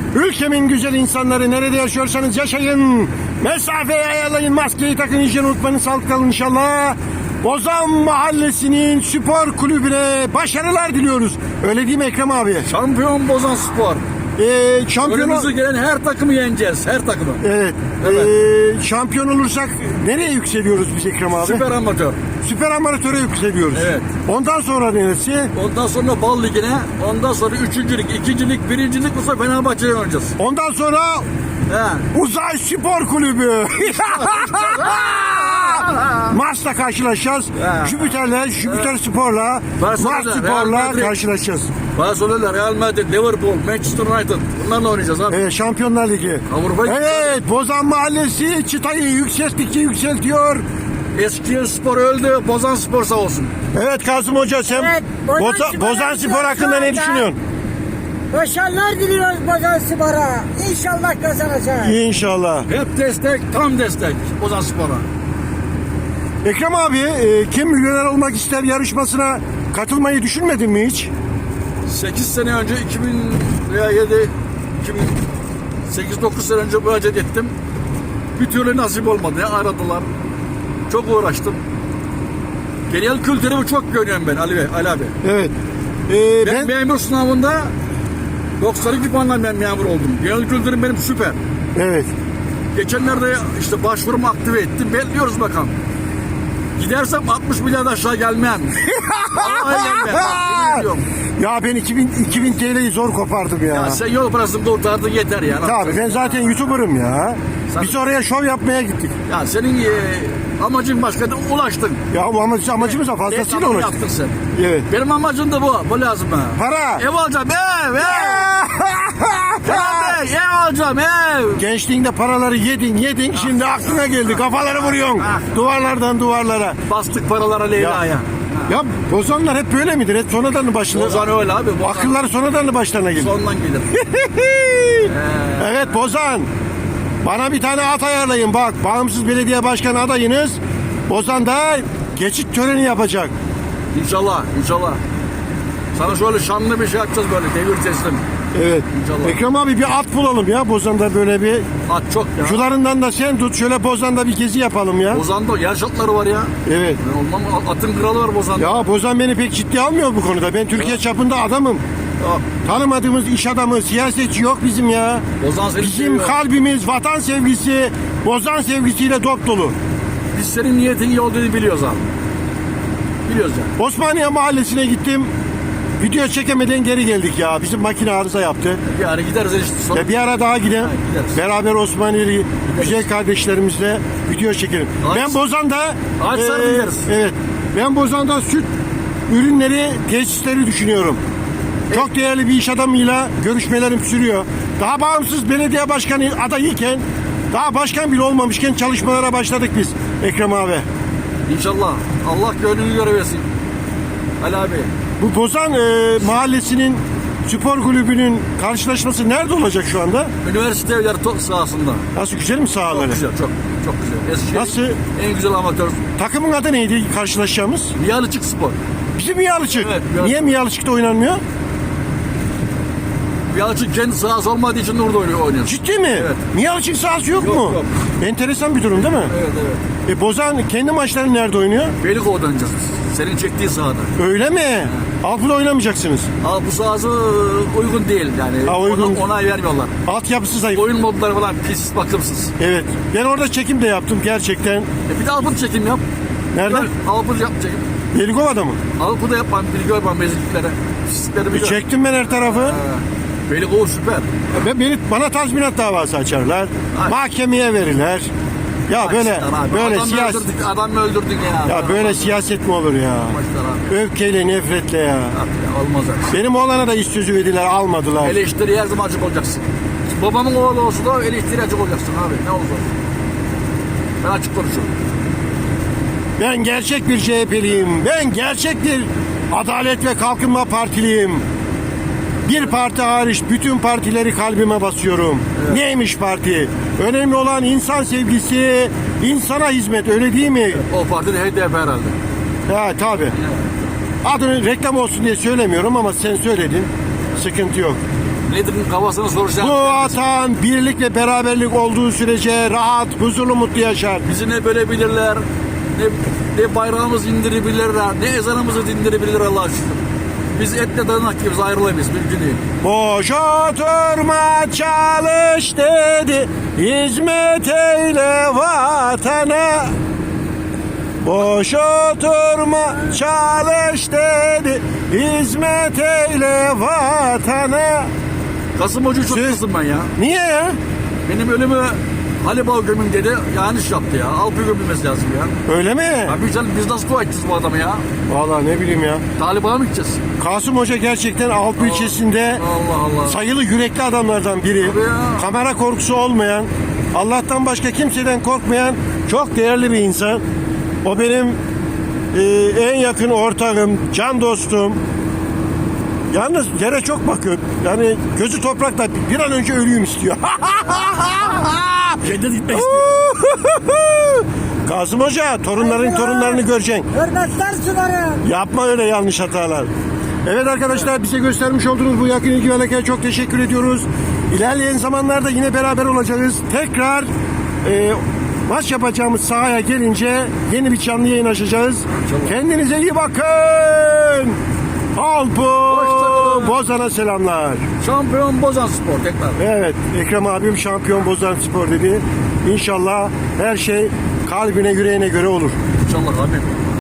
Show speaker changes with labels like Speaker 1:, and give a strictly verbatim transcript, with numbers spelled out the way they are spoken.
Speaker 1: Ülkemin güzel insanları, nerede yaşıyorsanız yaşayın. Mesafeyi ayarlayın, maskeyi takın, hijyen unutmayın, sağlıklı kalın inşallah. Bozan Mahallesi'nin spor kulübüne başarılar diliyoruz. Öyle değil mi Ekrem abi?
Speaker 2: Şampiyon Bozan Spor.
Speaker 1: Ee, şampiyon
Speaker 2: Önümüze gelen her takımı yeneceğiz. Her takımı.
Speaker 1: Evet.
Speaker 2: Evet.
Speaker 1: Ee, şampiyon olursak nereye yükseliyoruz biz Ekrem abi?
Speaker 2: Süper amatör.
Speaker 1: Süper amatöre yükseliyoruz.
Speaker 2: Evet.
Speaker 1: Ondan sonra neresi?
Speaker 2: Ondan sonra Bal Ligi'ne. Ondan sonra üçüncülük, ikincilik, birincilik bu sefer Fenerbahçe'ye oynayacağız.
Speaker 1: Ondan sonra
Speaker 2: He.
Speaker 1: Uzay Spor Kulübü. Mars'la karşılaşacağız.
Speaker 2: He.
Speaker 1: Jüpiter'le, Jüpiter Spor'la,
Speaker 2: Barcelona,
Speaker 1: Mars
Speaker 2: Real
Speaker 1: Spor'la
Speaker 2: Madrid.
Speaker 1: karşılaşacağız.
Speaker 2: Barcelona, Real Madrid, Liverpool, Manchester United. Bunlarla oynayacağız abi.
Speaker 1: Evet, Şampiyonlar Ligi.
Speaker 2: Avrupa
Speaker 1: Evet, Bozan Mahallesi çıtayı yükselttikçe yükseltiyor.
Speaker 2: Eskişehir Spor öldü. Bozan Spor sağ olsun.
Speaker 1: Evet Kasım Hoca, sen
Speaker 3: Evet, Bozan
Speaker 1: Boza-
Speaker 3: Spor'a
Speaker 1: Bozan Spor
Speaker 3: gidiyoruz
Speaker 1: hakkında
Speaker 3: şu
Speaker 1: ne
Speaker 3: anda.
Speaker 1: düşünüyorsun?
Speaker 3: Başarılar diliyoruz Bozan Spor'a. İnşallah kazanacak.
Speaker 1: İnşallah.
Speaker 2: Hep destek, tam destek Bozan Spor'a.
Speaker 1: Ekrem abi, e, kim milyoner olmak ister yarışmasına katılmayı düşünmedin mi hiç?
Speaker 2: sekiz sene önce iki bin yedi iki bin sekiz dokuz sene önce müracaat ettim. Bir türlü nasip olmadı. Aradılar. Çok uğraştım. Genel kültürümü çok görüyorum ben Ali Bey, Ali abi.
Speaker 1: Evet. E,
Speaker 2: Ben,
Speaker 1: ben,
Speaker 2: memur sınavında doksan iki puanla ben memur oldum. Genel kültürüm benim süper.
Speaker 1: evet.
Speaker 2: Geçenlerde işte başvurumu aktive ettim. Bekliyoruz bakalım. Gidersem altmış milyar aşağı gelmem. Vallahi gelmem. Bak, yemin ediyorum.
Speaker 1: Ya ben iki bin, iki bin T L'yi zor kopardım ya.
Speaker 2: Ya sen yol parasını kurtardın yeter ya.
Speaker 1: Tabii ben zaten YouTuber'ım ya.
Speaker 2: Sen-
Speaker 1: Biz oraya şov yapmaya gittik.
Speaker 2: Ya senin e, amacın başka, ulaştın.
Speaker 1: Ya bu amaç, amacımız da fazlasıyla
Speaker 2: Reklamını
Speaker 1: ulaştık.
Speaker 2: yaptın sen.
Speaker 1: Evet.
Speaker 2: Benim amacım da bu. Bu lazım bana.
Speaker 1: Para.
Speaker 2: Ev alacağım ev ev. Kenan Bey, ev alacağım ev.
Speaker 1: Gençliğinde paraları yedin yedin, şimdi aklına geldi, kafaları vuruyorsun duvarlardan duvarlara.
Speaker 2: Bastık paralara Leyla'ya.
Speaker 1: Ya bozanlar hep böyle midir? Hep sonradan mı başına?
Speaker 2: Bozan öyle abi. Bozan
Speaker 1: Akılları sonradan mı başlarına gelir?
Speaker 2: sondan gelir.
Speaker 1: Evet Bozan. Bana bir tane at ayarlayın bak. Bağımsız belediye başkanı adayınız. Bozan da geçit töreni yapacak.
Speaker 2: İnşallah, inşallah. Sana şöyle şanlı bir şey yapacağız böyle devir teslim.
Speaker 1: Evet.
Speaker 2: İnşallah.
Speaker 1: Ekrem abi bir at bulalım ya Bozan'da, böyle bir.
Speaker 2: At çok ya.
Speaker 1: Şularından da sen tut, şöyle Bozan'da bir gezi yapalım ya.
Speaker 2: Bozan'da yer şartları var ya.
Speaker 1: Evet.
Speaker 2: Ben olmam, atın kralı var Bozan'da.
Speaker 1: Ya Bozan beni pek ciddi almıyor bu konuda. Ben Türkiye çapında adamım.
Speaker 2: Ya,
Speaker 1: Tanımadığımız iş adamı, siyasetçi yok bizim ya.
Speaker 2: Bozan seni
Speaker 1: Bizim
Speaker 2: seviyor.
Speaker 1: kalbimiz vatan sevgisi, Bozan sevgisiyle dop dolu.
Speaker 2: Biz senin niyetin iyi olduğunu biliyoruz abi. Biliyoruz yani.
Speaker 1: Osmaniye Mahallesi'ne gittim. Video çekemeden geri geldik ya. Bizim makine arıza yaptı.
Speaker 2: Bir ara gideriz işte sonra.
Speaker 1: Ya bir ara daha gidelim.
Speaker 2: Ha, gideriz.
Speaker 1: Beraber Osmaniyeli güzel kardeşlerimizle video çekelim.
Speaker 2: Ağaç-
Speaker 1: Ben Bozan'da
Speaker 2: Ağaç sarı gideriz.
Speaker 1: evet. Ben Bozan'da süt ürünleri, tesisleri düşünüyorum. Çok değerli bir iş adamıyla görüşmelerim sürüyor. Daha bağımsız belediye başkanı adayıyken, daha başkan bile olmamışken çalışmalara başladık biz Ekrem abi.
Speaker 2: İnşallah. Allah gönlünü göre versin. Ali abi.
Speaker 1: Bu Bozan e, Mahallesi'nin spor kulübünün karşılaşması nerede olacak şu anda?
Speaker 2: Üniversite evleri top sahasında.
Speaker 1: Nasıl, güzel mi
Speaker 2: Çok
Speaker 1: sahaları?
Speaker 2: güzel, çok çok güzel. Eskişehir
Speaker 1: Nasıl?
Speaker 2: en güzel amatör.
Speaker 1: Takımın adı neydi karşılaşacağımız?
Speaker 2: Miyalıçık Spor.
Speaker 1: Bizim Miyalıçık.
Speaker 2: Evet, Miyalıçık.
Speaker 1: Niye Miyalıçık'ta oynanmıyor?
Speaker 2: Miyalıçık kendi sahası olmadığı için orada oynuyor. oynuyor.
Speaker 1: Ciddi mi?
Speaker 2: Evet.
Speaker 1: Miyalıçık sahası yok,
Speaker 2: Yok,
Speaker 1: mu?
Speaker 2: yok.
Speaker 1: Enteresan bir durum değil mi?
Speaker 2: Evet evet.
Speaker 1: E, Bozan kendi maçlarını nerede oynuyor?
Speaker 2: Beylikova'da oynayacağız biz. Senin çektiğin sahada.
Speaker 1: Öyle mi? Alpı'da oynamayacaksınız.
Speaker 2: Ama bu sahası uygun değil yani.
Speaker 1: Ha, uygun.
Speaker 2: Ona, onay vermiyorlar.
Speaker 1: Altyapısı zayıf.
Speaker 2: Oyun modları falan pis, bakımsız.
Speaker 1: Evet. Ben orada çekim de yaptım gerçekten.
Speaker 2: E bir de Alpı çekim yap.
Speaker 1: Nerede?
Speaker 2: Alpı yap çekim.
Speaker 1: Belikova'da mı?
Speaker 2: Alpı da yapmam, bilgi yapmam mezunluklere. Pislikleri
Speaker 1: E,
Speaker 2: biliyor.
Speaker 1: çektim ben her tarafı.
Speaker 2: Belikova süper.
Speaker 1: Ben, beni, bana tazminat davası açarlar.
Speaker 2: Ay.
Speaker 1: Mahkemeye verirler. Ya böyle
Speaker 2: Maçlar abi.
Speaker 1: böyle
Speaker 2: Adam
Speaker 1: siyaset
Speaker 2: öldürdük, adam mı öldürdük ya.
Speaker 1: ya böyle siyaset mi olur ya?
Speaker 2: Maçlar abi.
Speaker 1: Öfkeyle, nefretle ya.
Speaker 2: Abi ya, olmaz abi.
Speaker 1: Benim oğlana da iş sözü verdiler, almadılar.
Speaker 2: Eleştiri her zaman açık olacaksın. Babamın oğlu olsa da eleştiri açık olacaksın abi. Ne olursa olsun. Ben açık konuşuyorum.
Speaker 1: Ben gerçek bir C H P'liyim. Ben gerçek bir Adalet ve Kalkınma Partiliyim. Bir parti hariç bütün partileri kalbime basıyorum. Neymiş parti? Önemli olan insan sevgisi, insana hizmet, öyle değil mi?
Speaker 2: O parti de H D P herhalde.
Speaker 1: Ya tabii. Adını reklam olsun diye söylemiyorum ama sen söyledin. Sıkıntı yok.
Speaker 2: Milletin kafasını soracağım.
Speaker 1: Bu vatan birlik ve beraberlik olduğu sürece rahat, huzurlu, mutlu yaşar.
Speaker 2: Bizi ne bölebilirler, ne, ne bayrağımızı indirebilirler, ne ezanımızı dindirebilirler Allah'a şükür. Biz etle dayanak gibiyiz, ayrılamayız, mümkün değil.
Speaker 1: Boş oturma çalış dedi, hizmet eyle vatana. Boş oturma çalış dedi, hizmet eyle vatana.
Speaker 2: Kasım Hoca'yı çok
Speaker 1: Siz-
Speaker 2: kızdım ben ya.
Speaker 1: Niye ya?
Speaker 2: Benim ölümü Halibağ gömün dedi, yanlış yaptı ya. Alpı gömülmesi lazım ya.
Speaker 1: Öyle mi?
Speaker 2: Abi canım biz nasıl dua edeceğiz bu adamı ya?
Speaker 1: Vallahi ne bileyim ya.
Speaker 2: Taliban'a mı gideceğiz?
Speaker 1: Kasım Hoca gerçekten Alpı ilçesinde
Speaker 2: Allah Allah.
Speaker 1: sayılı yürekli adamlardan biri.
Speaker 2: Tabii ya.
Speaker 1: Kamera korkusu olmayan, Allah'tan başka kimseden korkmayan çok değerli bir insan. O benim e, en yakın ortağım, can dostum. Yalnız yere çok bakıyor. Yani gözü toprakta, bir an önce ölüyüm istiyor.
Speaker 2: Cennet gitmek istiyor.
Speaker 1: Kasım Hoca, torunların torunlarını göreceksin.
Speaker 3: Hürmetler sunarım.
Speaker 1: Yapma öyle yanlış hatalar. Evet arkadaşlar, bize göstermiş olduğunuz bu yakın ilgi ve alakaya çok teşekkür ediyoruz. İlerleyen zamanlarda yine beraber olacağız. Tekrar e, maç yapacağımız sahaya gelince yeni bir canlı yayın açacağız. Kendinize iyi bakın. Alpo
Speaker 2: Hoşçakalın.
Speaker 1: Bozan'a selamlar.
Speaker 2: Şampiyon Bozan Spor tekrar.
Speaker 1: Evet, Ekrem abim şampiyon Bozan Spor dedi. İnşallah her şey kalbine yüreğine göre olur.
Speaker 2: İnşallah abi.